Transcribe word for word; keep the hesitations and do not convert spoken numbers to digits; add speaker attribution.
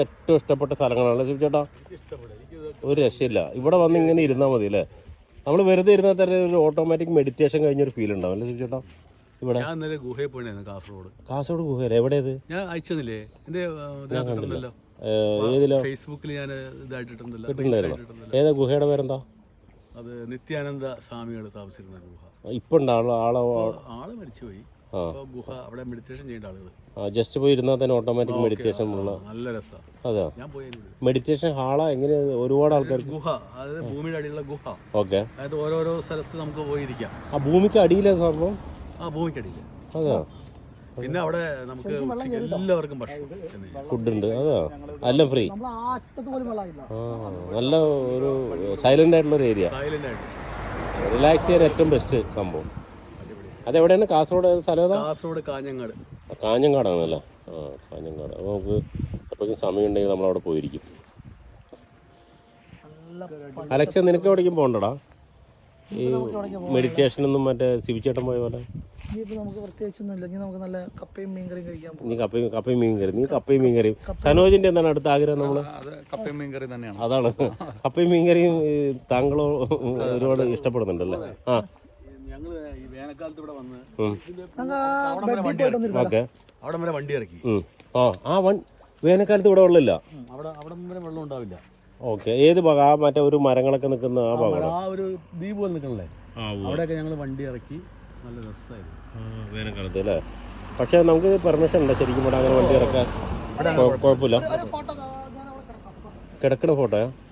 Speaker 1: ഏറ്റവും ഇഷ്ടപ്പെട്ട സ്ഥലങ്ങളാണ് ശിവ ചേട്ടാ. ഒരു രക്ഷയില്ല. ഇവിടെ വന്ന് ഇങ്ങനെ ഇരുന്നാൽ മതി അല്ലേ? നമ്മൾ വെറുതെ ഇരുന്നാൽ തന്നെ ഒരു ഓട്ടോമാറ്റിക് മെഡിറ്റേഷൻ കഴിഞ്ഞൊരു ഫീൽ ഉണ്ടാവും അല്ലേ ശിവ ചേട്ടാ? ഇവിടെ
Speaker 2: ഞാൻ ഇന്നലെ ഗുഹയിൽ പോയിരുന്നു. കാസർഗോഡ്.
Speaker 1: കാസർഗോഡ് ഗുഹയല്ലേ? എവിടെയത്?
Speaker 2: ഞാൻ അയച്ചതില്ലേ എന്റെ
Speaker 1: ഏതിലോ
Speaker 2: ഫേസ്ബുക്കിൽ ഞാൻ ഇതായിട്ടിട്ടുണ്ടല്ലോ.
Speaker 1: ഏതാ ഗുഹയുടെ പേരെന്താ?
Speaker 2: അത് നിത്യാനന്ദ സ്വാമികൾ താമസിക്കുന്ന ഗുഹ.
Speaker 1: ഇപ്പൊ ആള്
Speaker 2: ആള് മരിച്ചുപോയി. ഗുഹ അവിടെ മെഡിറ്റേഷൻ ചെയ്യേണ്ട ആളുകൾ
Speaker 1: ജസ്റ്റ് പോയി ഇരുന്നാൽ തന്നെ ഓട്ടോമാറ്റിക് മെഡിറ്റേഷൻ ഉള്ള
Speaker 2: നല്ല രസമാണ്.
Speaker 1: അതെയോ?
Speaker 2: ഞാൻ പോയി
Speaker 1: മെഡിറ്റേഷൻ ഹാളാ എങ്ങനെ? ഒരുപാട് ആൾക്കാർ
Speaker 2: ഗുഹ, അതായത് ഭൂമിയുടെ അടിയിലുള്ള ഗുഹ.
Speaker 1: ഓക്കെ.
Speaker 2: അതായത് ഓരോരോ സ്ഥലത്ത് നമുക്ക് പോയിരിക്കാം.
Speaker 1: ആ ഭൂമിക്ക് അടിയിലെ സംഭവം?
Speaker 2: ആ ഭൂമിക്ക് അടിയില്.
Speaker 1: അതെയോ?
Speaker 2: പിന്നെ അവിടെ നമുക്ക് എല്ലാവർക്കും ഭക്ഷണം
Speaker 1: ഫുഡ് ഉണ്ട്. അതെയോ? എല്ലാം ഫ്രീ. നല്ല ഒരു സൈലന്റ് ആയിട്ടുള്ള ഒരു ഏരിയ.
Speaker 2: സൈലന്റ് ആയിട്ട്
Speaker 1: റിലാക്സ് ചെയ്യാൻ ഏറ്റവും ബെസ്റ്റ് സംഭവം. അതെവിടെയാണ്? കാസർഗോഡ് സ്ഥലം ഏതാ?
Speaker 2: കാസർഗോഡ് കാഞ്ഞങ്ങാട്.
Speaker 1: കാഞ്ഞങ്ങാടാണല്ലേ? ആ കാഞ്ഞങ്ങാട്. അപ്പോൾ നമുക്ക് എപ്പോഴും സമയം ഉണ്ടെങ്കിൽ നമ്മളവിടെ പോയിരിക്കും. അലക്സ, നിനക്ക് എവിടേക്കും പോകണ്ടടാ? ഈ മെഡിറ്റേഷനൊന്നും മറ്റേ സിവിച്ചേട്ടൻ പോയ പോലെ? നീ കപ്പയും കപ്പയും മീൻ കറി നീ കപ്പയും മീൻ കറിയും സനോജിന്റെ എന്താണ് അടുത്ത ആഗ്രഹം? നമ്മള് അതാണ് കപ്പയും മീൻ കറിയും. താങ്കളോ ഒരുപാട് ഇഷ്ടപ്പെടുന്നുണ്ടല്ലേ? ആ
Speaker 2: ഞങ്ങള് ഈ വേനൽക്കാലത്ത് ഇവിടെ വന്ന്
Speaker 1: ഓക്കെ.
Speaker 2: അവിടെ വരെ വണ്ടി ഇറക്കി.
Speaker 1: ആ ആ വൺ വേനൽക്കാലത്ത് ഇവിടെ വെള്ളമില്ല.
Speaker 2: അവിടെ അവിടെ വരെ വെള്ളം ഉണ്ടാവില്ല.
Speaker 1: ഓക്കെ. ഏത് ഭാഗം? ആ മറ്റേ ഒരു മരങ്ങളൊക്കെ നിൽക്കുന്ന ആ ഭാഗം?
Speaker 2: ആ ഒരു ദ്വീപ് പോലെ നിൽക്കണല്ലേ, അവിടെയൊക്കെ ഞങ്ങൾ വണ്ടി ഇറക്കി. നല്ല രസമായിരുന്നു
Speaker 1: വേനൽക്കാലത്ത് അല്ലേ? പക്ഷെ നമുക്ക് പെർമിഷൻ ഉണ്ടോ ശരിക്കും ഇവിടെ അങ്ങനെ വണ്ടി ഇറക്കാൻ? കുഴപ്പമില്ല. കിടക്കുന്ന ഫോട്ടോയാ?